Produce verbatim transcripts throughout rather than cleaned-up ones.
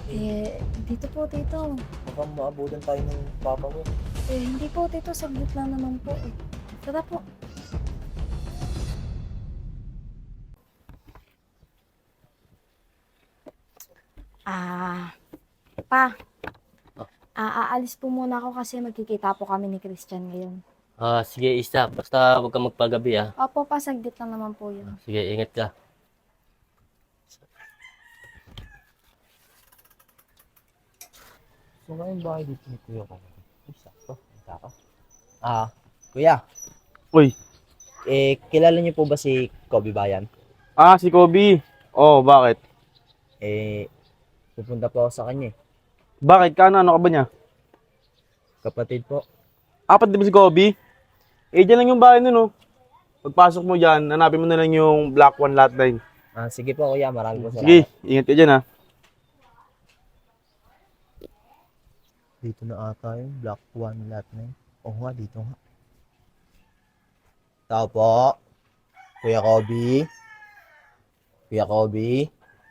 Eh, dito po, tito. Mukhang maabutan tayo ng papa mo. Eh, hindi po, tito. Saglit lang naman po eh. Tara po. Ah, pa. Ah, Ah, aalis po muna ako kasi magkikita po kami ni Christian ngayon. ah, sige isa, basta huwag kang magpagabi ah. Opo pa, saglit lang naman po yun. Sige, ingat ka. So ngayon bahay dito ni kuya ko. Ay, sakto. Punta ka. Ah, kuya. Uy, Eh, kilala niyo po ba si Kobe Bayan? ah, si Kobe. Oh, bakit? Eh, pupunta po ako sa kanya eh. Bakit? Kano, ano ka ba niya? Kapatid po. Apat di ba si Kobe? Eh, dyan lang yung bahay nun, oh. Pagpasok mo dyan, hanapin mo na lang yung Black One Lot nine. Ah, sige po kuya. Marami po Sige, salamat. ingat ka dyan, ha. Dito na ata yung Block one Lot nine. Oo nga, dito nga. Tao po. Kuya Kobe. Kuya Kobe.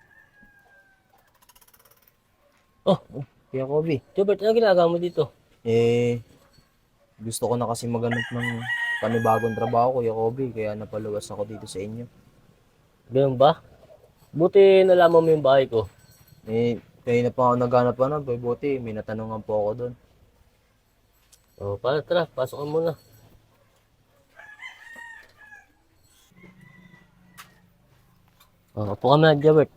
Oh, Kuya Kobe. Jobert, ano ginagawa mo dito? Eh, gusto ko na kasi maghanap ng panibagong trabaho, Kuya Kobe. Kaya napaluwas ako dito sa inyo. Ganun ba? Buti nalaman mo yung bahay ko. Eh, kaya na pa ako naghanap pa nun. Buti, may natanungan po ako doon. Oh, para tara, pasok ka muna. Oh, upo ka na, Jobert.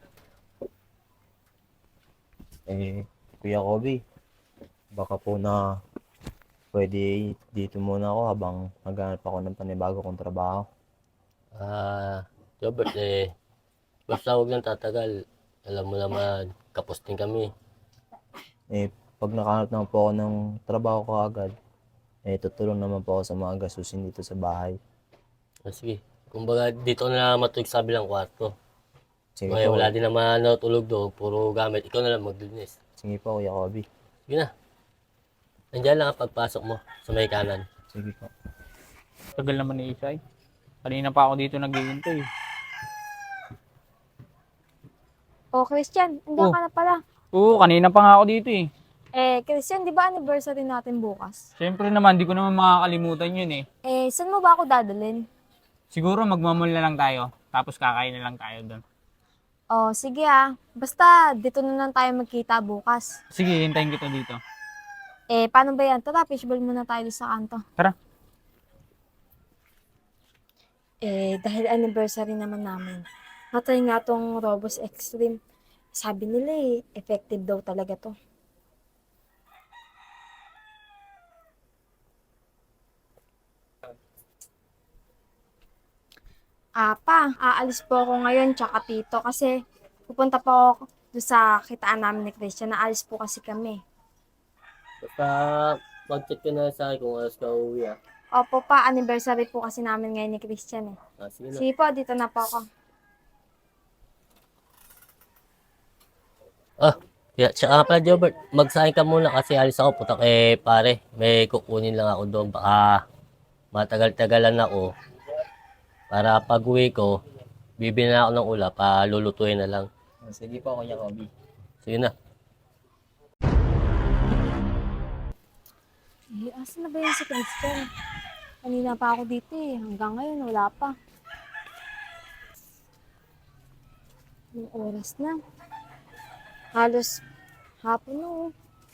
Eh, Kuya Kobe, baka po na pwede dito muna ako habang maghanap ako ng panibago kong trabaho. Ah, Jobert eh, basta huwag lang tatagal. Alam mo naman, kapos din kami. Eh, pag nakahanap naman po ako ng trabaho ko agad, eh, tutulong naman po ako sa mga gastusin dito sa bahay. Ah, sige, kumbaga dito na matulog sa bilang kwarto. Sige Ngayon, po, wala din naman natulog doon, puro gamit. Ikaw na lang maglinis. sige po, Kuya Kobe. Sige na, nandiyan lang ang pagpasok mo sa may kanan. Sige po. Tagal naman ni Isay. Kanina pa ako dito naghihintay. Oh, Christian, andiyan Oh. ka na pala. Oo, kanina pa nga ako dito eh. Eh, Christian, di ba anniversary natin bukas? Siyempre naman, di ko naman makakalimutan yun eh. Eh, saan mo ba ako dadalhin? Siguro magmamall na lang tayo. Tapos kakain na lang tayo doon. Oh, sige ah. Basta, dito na lang tayo magkita bukas. Sige, hintayin kita dito. Eh, paano ba yan? Tara, fishball muna tayo sa kanto. Tara. Eh, dahil anniversary naman namin, natry nga tong Robos Extreme. Sabi nila eh, effective daw talaga to. Apa, aalis po ako ngayon tsaka tito kasi pupunta po ako doon sa kitaan namin ni Christian. Naalis po kasi kami. Basta mag-check ka na sa akin kung oras ka uuwi ah. Opo pa, anniversary po kasi namin ngayon ni Christian eh. Ah, sige na. Sige po, dito na po ako. Ah, yeah, tsaka nga pala, Jobert, magsahin ka muna kasi alis ako, putak eh, pare. May kukunin lang ako doon. Baka matagal-tagalan ako. Para pag uwi ko, bibili na ako ng ulap, palulutuin na lang. Sige po, Kuya Kobe. Sige na. Eh, asan na ba yun si Christian? Kanina pa ako dito eh. Hanggang ngayon, wala pa. Yung oras na. Halos hapon na oh.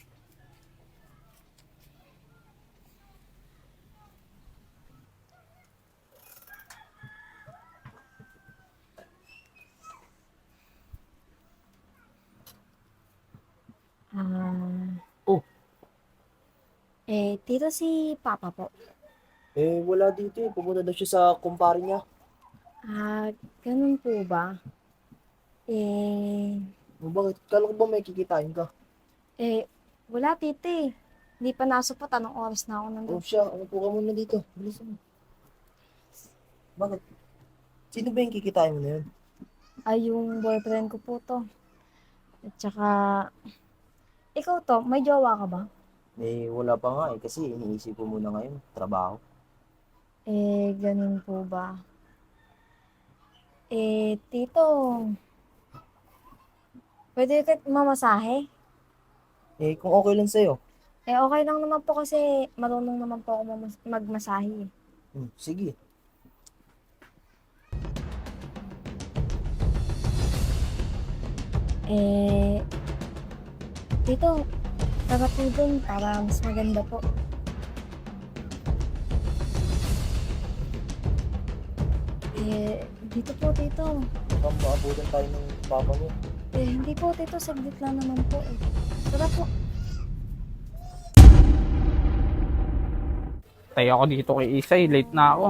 Ah, Oh, eh, tito si Papa po. Eh, wala dito eh. Pumunta daw siya sa kumpare niya. Ah, ganun po ba? Eh, O bakit? Kala ko ba may kikitain ka? eh, wala tito eh. Hindi pa nasupot. Anong oras na ako O nandun? siya, ano po ka muna dito? Bilis mo. Bakit? Sino ba yung kikitain mo na yun? Ay, yung boyfriend ko po to. At saka, ikaw to, may jowa ka ba? Eh, wala pa nga eh. Kasi iniisip ko muna ngayon. Trabaho. Eh, ganun po ba? Eh, tito, pwede ka mamasahe? Eh, kung okay lang sa'yo. Eh, okay lang naman po kasi marunong naman po ako mamas- magmasahe. Hmm, sige. Eh, Tito, tara po dun para mas maganda po. Eh, dito po, Tito. Baka maabutan tayo ng papa mo. Eh, hindi po, Tito. Saglit lang naman po eh. Tara po. Tayo ako dito kay Isay. Late na ako.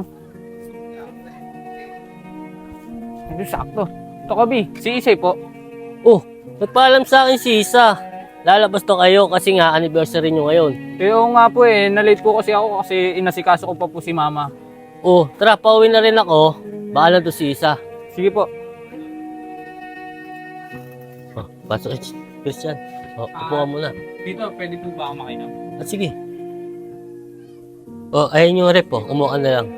Ito sakto. Ito Kobe, si Isay po. Oh, nagpaalam sa akin si Isa. Lalabas to kayo kasi nga anniversary nyo ngayon. Eh, oo nga po eh. Na-late po kasi ako kasi inasikaso ko pa po si Mama. Oh, tara, pauwi na rin ako. Baalam to si Isa. Sige po. Oh, pasok eh, Christian. Oh, upo ka muna. Dito, pwede po ba ako makinom? Ah, sige. Oh, ayun yung rep oh. Umuha ka na lang.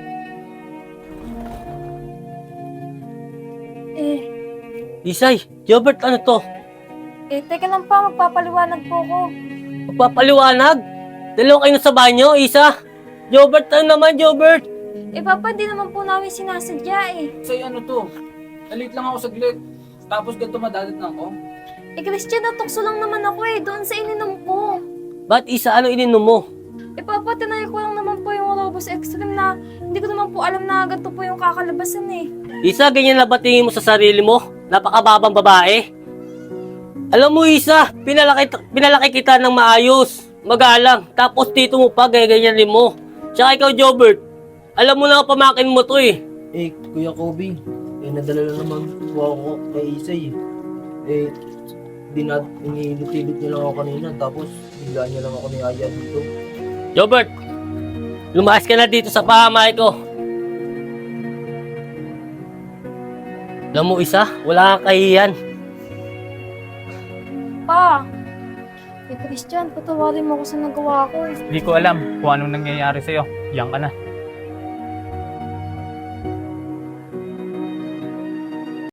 Eh, Isay, Jobert, ano to? eh, teka lang pa. Magpapaliwanag po ko. Magpapaliwanag? Dalawa kayo sa banyo, Isa. Jobert, ano naman, Jobert? Eh, Papa, di naman po namin sinasadya eh. Say ano to? Nalit lang ako saglit. Tapos ganito madadat na ako. Eh, Christian, natukso lang naman ako eh. Doon sa ininom ko. Ba't Isa, ano ininom mo? Eh, Papa, tinay ko lang naman po yung Robos Extreme na hindi ko naman po alam na ganito po yung kakalabasan eh. Isa, ganyan na ba tingin mo sa sarili mo? Napakababang babae. Alam mo, Isa, pinalaki, pinalaki kita ng maayos, magalang. Tapos dito mo pa, ganyan rin mo. Tsaka ikaw, Jobert, alam mo na nga pamakin mo to eh. Eh, Kuya Kobe, eh, nadala lang naman po ako kay Isay eh. Eh, dinat, inilit-ilit niya lang ako kanina, tapos bigla niya lang ako niyaya dito. Jobert, lumayas ka na dito sa pahamay ko. Alam mo, Isa, wala kang kahiyan. Pa, eh, Christian, patawarin mo ako sa nagawa ko. Hindi ko alam kung anong nangyayari sa'yo. Diyan ka na.